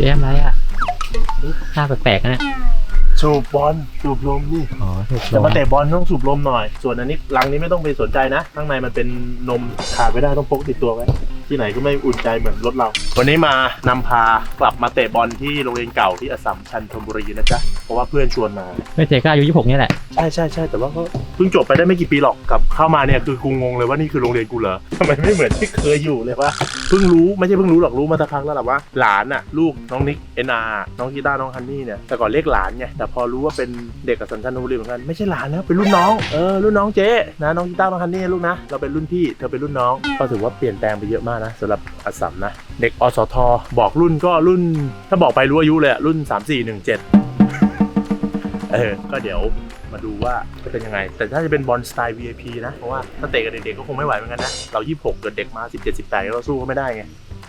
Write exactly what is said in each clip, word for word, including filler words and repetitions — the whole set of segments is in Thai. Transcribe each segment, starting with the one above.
จ๊ทำไรอ่ะหน้าแปลกๆนะสูบบอลสูบลมนี่อ๋อถูกจะมาเตะบอลต้องสูบลมหน่อยส่วนอันนี้ลังนี้ไม่ต้องไปสนใจนะข้างในมันเป็นนมขาดไม่ได้ต้องพกติดตัวไว้ที่ไหนก็ไม่อุ่นใจเหมือนรถเราวันนี้มานำพากลับมาเตะบอลที่โรงเรียนเก่าที่อัสสัมชัญธนบุรีนะจ๊ะเพราะว่าเพื่อนชวนมาไม่เจ๊ก็อายุยี่สิบหกนี่แหละใช่ใช่ใช่แต่ว่าก็เพิ่งจบไปได้ไม่กี่ปีหรอกกลับเข้ามาเนี่ยคือกูงงเลยว่านี่คือโรงเรียนกูเหรอทำไมไม่เหมือนที่เคยอยู่เลยว่าเพิ่งรู้ไม่ใช่เพิ่งรู้หรอกรู้มาสักพักแล้วแหละว่าหลานน่ะลูกน้องนิกเอ็นอาร์น้องกีตาร์น้องฮันนี่เนี่ยแต่ก่อนเรียกหลานไงแต่พอรู้ว่าเป็นเด็กอัสสัมชัญธนบุรีเหมือนกันไม่ใช่หลานแล้วเป็นรุ่นน้องเออรุ่นน้องเจ๊นะน้องกีตาร์น้องฮันนี่ลูกนะเราเป็นรุ่นพี่เธอเป็นรุ่นน้องก็ถือว่าเปลี่ยนแปลงไปเยอะมากนะสำหรับอัสสัมนะเด็กอสทบอกรุ่นก็รุ่นถ้าบอกไปรู้อายุเลยรุ่นสามสี่หนึ่งเจ็ดเออก็เดี๋ยวมาดูว่าจะเป็นยังไงแต่ถ้าจะเป็นบอลสไตล์ วี ไอ พี นะเพราะว่าถ้าเตะกับเด็กๆก็คงไม่ไหวเหมือนกันนะเรายี่สิบหกเกิดเด็กมาสิบเจ็ด สิบแปดเราสู้เขาไม่ได้ไง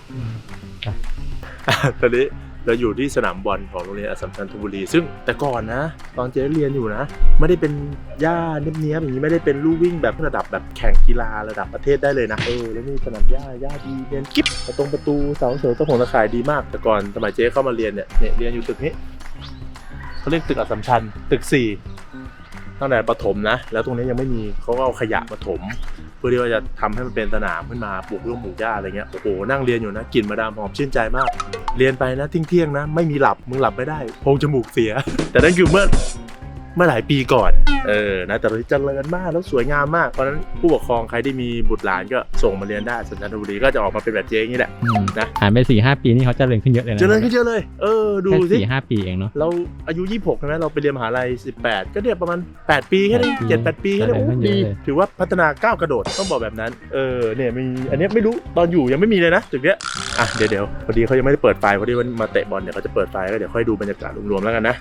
ตอนนี้เราอยู่ที่สนามบอลของโรงเรียนอัสสัมชัญธนบุรีซึ่งแต่ก่อนนะตอนเจ๊เรียนอยู่นะไม่ได้เป็นหญ้าเนี้ยบๆอย่างนี้ไม่ได้เป็นลู่วิ่งแบบระดับแบบแข่งกีฬาระดับประเทศได้เลยนะเออแล้วนี่สนามหญ้าหญ้าดีเรียนกิ๊บประตูประตูเสาเสริมตะหงตะข่ายดีมากแต่ก่อนสมัยเจ๊เข้ามาเรียนเนี่ยเนี่ยเรียนอยู่ตึกนี้เขาเรียกตึกอัสสัมชัญตึกสี่ตั้งแต่ประถมนะแล้วตรงนี้ยังไม่มีเขาก็เอาขยะมาถมเพื่อที่ว่าจะทำให้มันเป็นสนามขึ้นมาปลูกเรื่องปลูกหญ้าอะไรเงี้ยโอ้โหนั่งเรียนอยู่นะกลิ่นมาดามหอมชื่นใจมากเรียนไปนะเที่ยงๆนะไม่มีหลับมึงหลับไม่ได้โพรงจมูกเสียแต่นั่นคือเมื่อเมื่อหลายปีก่อนเออนะแต่ตอนนี้เจริญมากแล้วสวยงามมากเพราะฉะนั้นผู้ปกครองใครที่มีบุตรหลานก็ส่งมาเรียนได้อัสสัมชัญธนบุรีก็จะออกมาเป็นแบบเจ๊อย่างนี้แหละนะผ่านไปสี่ห้าปีนี่เขาเจริญขึ้นเยอะเลยนะเจริญขึ้นเยอะเลยเออดูสิสี่ห้าปีเองเนาะเราอายุยี่สิบหกใช่ไหมเราไปเรียนมหาลัยสิบแปดก็เรียกประมาณแปดปีแค่นี้เจ็ดแปดปีแค่นี้โอ้ดีถือว่าพัฒนาก้าวกระโดดต้องบอกแบบนั้นเออเนี่ยมีอันนี้ไม่รู้ตอนอยู่ยังไม่มีเลยนะจุดเนี้ยอ่ะเดี๋ยวเดี๋ยวพอดีเขายังไม่ได้เปิดไฟพอดีวันมาเตะบอลเนี่ยเขาจะเปิดไฟก็เดี๋ยวค่อยดูบรรยากาศรวมๆแล้วกันนะ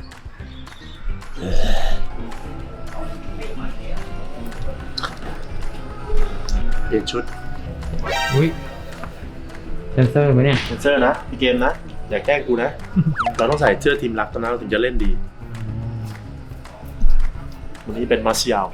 เปลี่ยนชุดอุ้ยเซนเซอร์ไหมเนี่ยเซนเซอร์นะพี่เกมนะอย่าแกล้งกูนะ เราต้องใส่เสื้อทีมรักตอนนั้นเราถึงจะเล่นดีวันนี้เป็นมาร์เซียล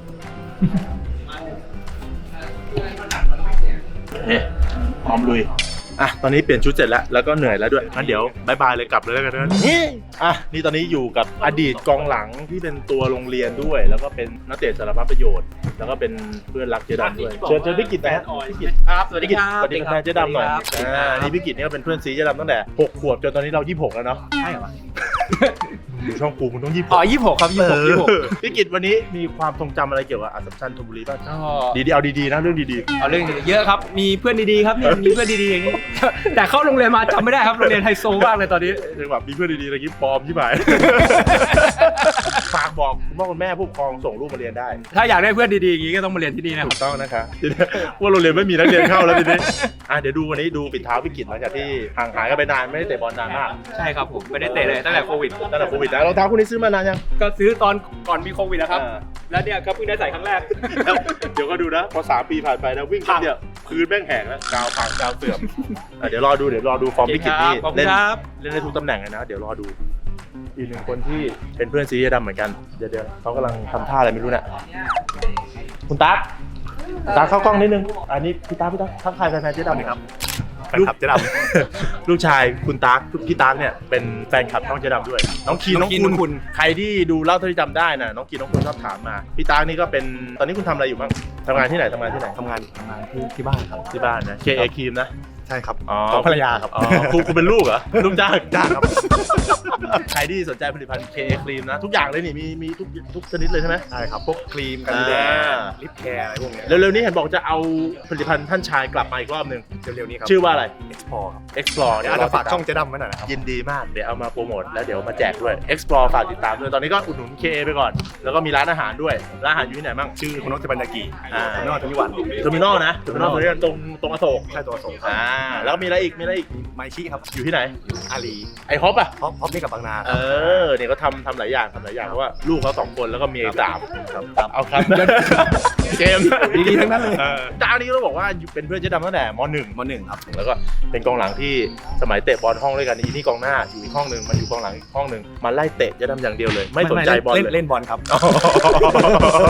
เนี่ยพร้อมลุยอ่ะตอนนี้เปลี่ยนชุดเสร็จแล้วแล้วก็เหนื่อยแล้วด้วยงั้นเดี๋ยวบายบายเลยกลับเลยแล้วกันนะนี่อ่ะนี่ตอนนี้อยู่กับอดีตกองหลังที่เป็นตัวโรงเรียนด้วยแล้วก็เป็นนักเตะสารพัดประโยชน์แล้วก็เป็นเพื่อนรักเจ๊ดำด้วยเชิญเชิญพี่กิตนะพี่กิตครับสวัสดีครับสวัสดีครับเจ๊ดำหน่อยอ่านี่พี่กิตนี่ก็เป็นเพื่อนซีเจ๊ดำตั้งแต่หกขวบจนตอนนี้เรายี่สิบหกแล้วเนาะใช่เหรออยู่ช่องกูมึงต้องยี่สิบหอ๋อก ยี่สิบหกครับยี่สิบหกยี่สิบหกพี่กิตวันนี้มีความทรงจำอะไรเกี่ยวกับอัสสัมชัญธนบุรีบ้างก็ดีๆเอาดีๆนะเรื่องดีเอาเรื่องเยอะครับมีเพื่อนดีๆครับเนี่ยมีเพื่อนดีๆอย่างนี้แต่เข้าโรงเรียนมาจำไม่ได้ครับโรงเรียนไฮโซมากเลยตอนนี้ๆถึงแบบมีเพื่อนดีๆอะไรกี้ปลอมที่ไหน ฝากบอกคุณพ่อคุณแม่ผู้ปกครองส่งลูกมาเรียนได้ถ้าอยากได้เพื่อนดีๆอย่างนี้ก็ต้องมาเรียนที่นี่นะคถูรับกต้องนะคะทีนี้ว่าโรงเรียนไม่มีนักเรียนเข้าแล้วทีนี้อ่ะเดี๋ยวดูวันนี้ดูปิดเท้าพี่กิตหลังจากที่ห่างหายกันไปนานไม่ได้เตะบอลนานมากใช่ครับผมไม่ได้เตะเลยตั้งแต่โควิดตั้งแต่โควิดนะรองเท้าคู่นี้ซื้อมานานยังก็ซื้อตอนก่อนมีโควิดนะครับอ่าแล้วเนี่ยก็เพิ่งได้ใส่ครั้งแรกเดี๋ยวก็ดูนะพอสามปีผ่านไปนะวิ่งแป๊บเดียวพื้นแม่งแหงแล้วกาวพังกาวเสื่อมอ่ะเดี๋ยวรอดูเดี๋ยวรอดูฟอร์มพี่กิตนี่ขอบคุเล่ณนครับเล่นได้ทุกตำแหน่งเลยนะเดี๋ยวรอดูอีกหนึ่งคนที่เป็นเพื่อนซีเจดำเหมือนกันเดี๋ยวเดี๋ยวเขากำลังทำท่าอะไรไม่รู้เนี่ยคุณตั๊กตาเข้ากล้องนิดนึงอันนี้พี่ตั๊กพี่ตั๊กทักทายแฟนๆเจ๊ดำครับแฟนคลับเจ๊ดำ ลูกชายคุณตั๊กพี่ตั๊กเนี่ยเป็นแฟนคลับช่องเจ๊ดำด้วยน้องคีนน้องคุณใครที่ดูเล่าเท่าที่จำได้นะน้องคีนน้องคุณชอบถามมาพี่ตั๊กนี่ก็เป็นตอนนี้คุณทำอะไรอยู่บ้างทำงานที่ไหนทำงานที่ไหนทำงานทำงานที่ที่บ้านครับที่บ้านนะ เค เอ ครีมนะใช่ครับอ๋อของภรรยาครับอ๋อคุณคุณเป็นลูกเหรอลูกจ้างจ้างครับ ใครที่สนใจผลิตภัณฑ์ เค เอ ครีมนะทุกอย่างเลยนี่มีมีทุกทุกชนิดเลยใช่ไหมใช่ครับ พวกครีมกันแดดอ่าลิปแคร์อะไรพวกเนี้ยเร็วๆนี้เห็นบอกจะเอาผลิตภัณฑ์ท่านชายกลับมาอีกรอบหนึ่งเร็วๆนี้ครับชื่อว่าอะไร Explore ครับ Explore เดี๋ยวอาจจะฝากช่องเจ๊ดำไว้หน่อยนะครับยินดีมากเดี๋ยวเอามาโปรโมทแล้วเดี๋ยวมาแจกด้วย Explore ฝากติดตามด้วยตอนนี้ก็อุดหนุน เค เอ ไปก่อน แล้วก็มีร้านอาหารด้วยร้านอาหารอยู่ที่ไหนบ้างชื่อคุณนกเจบันยากิอ่าเทอร์มินอลทวิวันเทอร์มินอลนะเทอร์มินอลตรงนี้ตรงตรงอโศกใช่ตัวส่งครับอ่าแล้วมีอะไรอีกมีอะไรอีกไมชิครับอยู่ที่ไหนอาลีไอฮอปอ่ะพร้อมพร้อมนี่กับบางนาคเอรับอเนี่ยเขาทำทำหลายอย่างทำหลายอย่างเพราะว่าลูกเขาสองคนแล้วก็เมียอีกสามครับเอาครับเกมดีๆทั้งนั้นเลยออเจ้านี้ต้องบอกว่าเป็นเพื่อนเจ๊ดำตั้งแต่มหนึ่งมหนึ่งครับแล้วก็เป็นกองหลังที่สมัยเตะบอลห้องด้วยกันอีนี่กองหน้าอยู่อีกห้องหนึ่งมันอยู่กองหลังอีกห้องหนึ่งมันไล่เตะเจ๊ดำอย่างเดียวเลย ไม่สนใจบอลเล่นเลยเล่นบอลครับ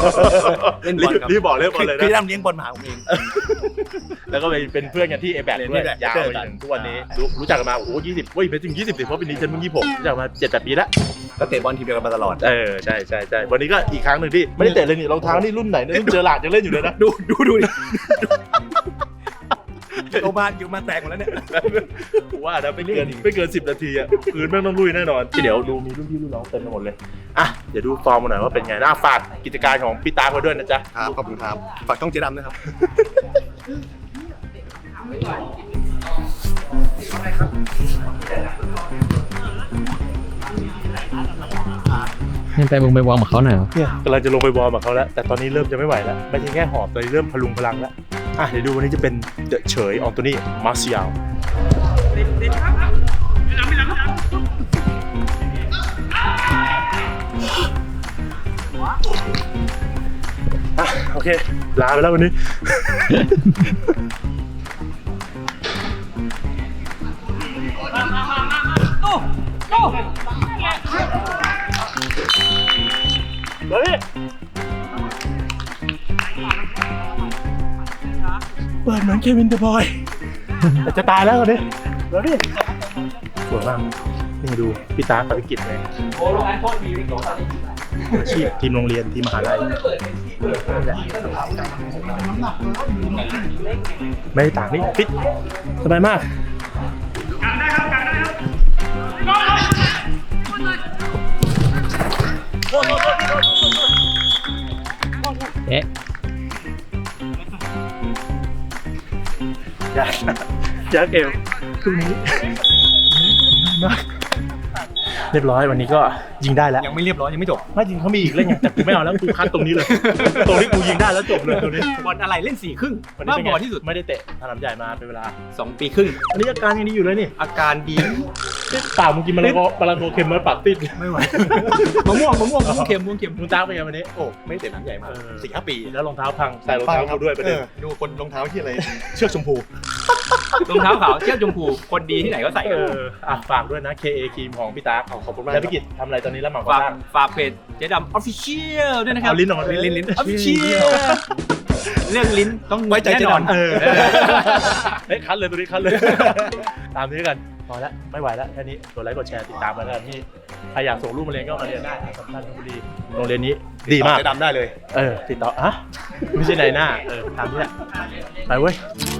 เล่นบอลครับรีบบอกเล่นบอลเลยพี่นะดำเลี้ยงบอลมาหาผมเองแล้วก็เป็นเพื่อนกันที่เอแบกด้วยด้วยนี่แหละยาวไปถึงทุกวันนี้รู้รู้จักกันมาโอ้โหยี่สิบเว้ยไม่ถึงยี่สิบสิเพราะปีนี้ฉันเพิ่งยี่สิบหกรู้จักมาเจ็ดแปดปีแล้วก็เตะบอลทีมเดียวกันมาตลอดเออใช่ใช่ใช่วันนี้ก็อีกครั้งหนึ่งที่ไม่ได้เตะเลยนี่รองเท้านี่รุ่นไหนเนี่ยรุ่นเจอหลาดยังเล่นอยู่เลยนะดูดูดูดิโรงพยาบาลอยู่มาแตกหมดแล้วเนี่ยกูว่านะไม่เกินไม่เกินสิบนาทีอ่ะพื้นแม่งต้องลุยแน่นอนที่เดี๋ยวดูมีรุ่นพี่รุ่นน้องเต็มไปหมดเลยอ่ะเดี๋ยวดูฟอร์มมาหน่อยว่าเป็นไงน่าฝากกิจการของพี่ตาไว้ด้วยนะจ๊ะครับขอบคุณครับฝากช่องเจ๊ดำนะครับนี่ไปมึงไปวอร์มกับเขาหน่อยเหรอเนี่ยกำลังจะลงไปวอร์มกับเขาแล้วแต่ตอนนี้เริ่มจะไม่ไหวแล้วไม่ใช่แค่หอบตอนนี้เริ่มพลุงพลังแล้วอ่ะเดี๋ยวดูวันนี้จะเป็นเดอะเฉยอองโตนี่มาร์เซียลอ่ะโอเคลาไปแล้ววันนี้ เฮ้ยเปิดเหมือนเควินเดอะบอย แต่จะตายแล้วเนี่ยเดี๋ยวดิสวยมากนี่ดูพี่ตากับพี่กิจเลยอาชีพทีมโรงเรียนทีมมหาลัยไม่ได้ต่างนี่ฟิตสบายมากเอ๊ะอยากอยากเอวตรงนี้มากเรียบร้อยวันนี้ก็ยิงได้แล้วยังไม่เรียบร้อยยังไม่จบไม่จริงเขามีอีกเล่นไงแต่กูไม่เอาแล้วกูคัดตรงนี้เลย ตรงที่กูยิงได้แล้วจบเลยตรงนี้บอลอะไรเล่นสี่ครึ่งวันนี้บ้าเป็นบไงอที่สุดไม่ได้เตะสนามใหญ่มาเป็นเวลาสองปีครึ่งอันนี้อาการยังดีอยู่เลยนี่อาการดีปากมึงกินมะละกอมะละกอเค็มมาปากติดไม่ไหวมะม่วงมะม่วงมะม่วงเค็มมะม่วงเค็มมึงตาเป็นไงวันนี้โอ้ไม่เตะหนังใหญ่มาเออสี่ห้าปีแล้วรองเท้าพังใส่รองเท้ากูด้วยประเด็นออดูคนรองเท้าที่อะไร เชือกชมพูรองเท้าขาวเชือกชมพูคนดีที่ไหนก็ใส่เอออ่ะฝากด้วยนะ เค เอ ครีมของพี่ตาขอบคุณมากแล้วพี่กิจทำอะไรตอนนี้แล้วหมั่งฝากบ้างฝากเพจเจ๊ดำออฟฟิเชียลด้วยนะครับเอาลิ้นออกมาลิ้นลิ้นลิ้นออฟฟิเชีลิ้ยนลเรื่องลิ้นต้องไว้ใจเจ๊ดำแน่นอนเออเฮ้ยคัดเลยตัวนี้คัดเลย ตามนี้กันพอแล้วไม่ไหวแล้วแค่นี้กดไลค์กดแชร์ติดตามมาแล้วกันที่ใครอยากส่งลูกมาเรียนก็มาเรียนได้สำคัญธนบุรีโรงเรียนนี้ดีมากเจ๊ดำได้เลยเออติดต่ออ่ะไม่ใช่ไหนหน้าเออตามนี้แหละไปเว้ยค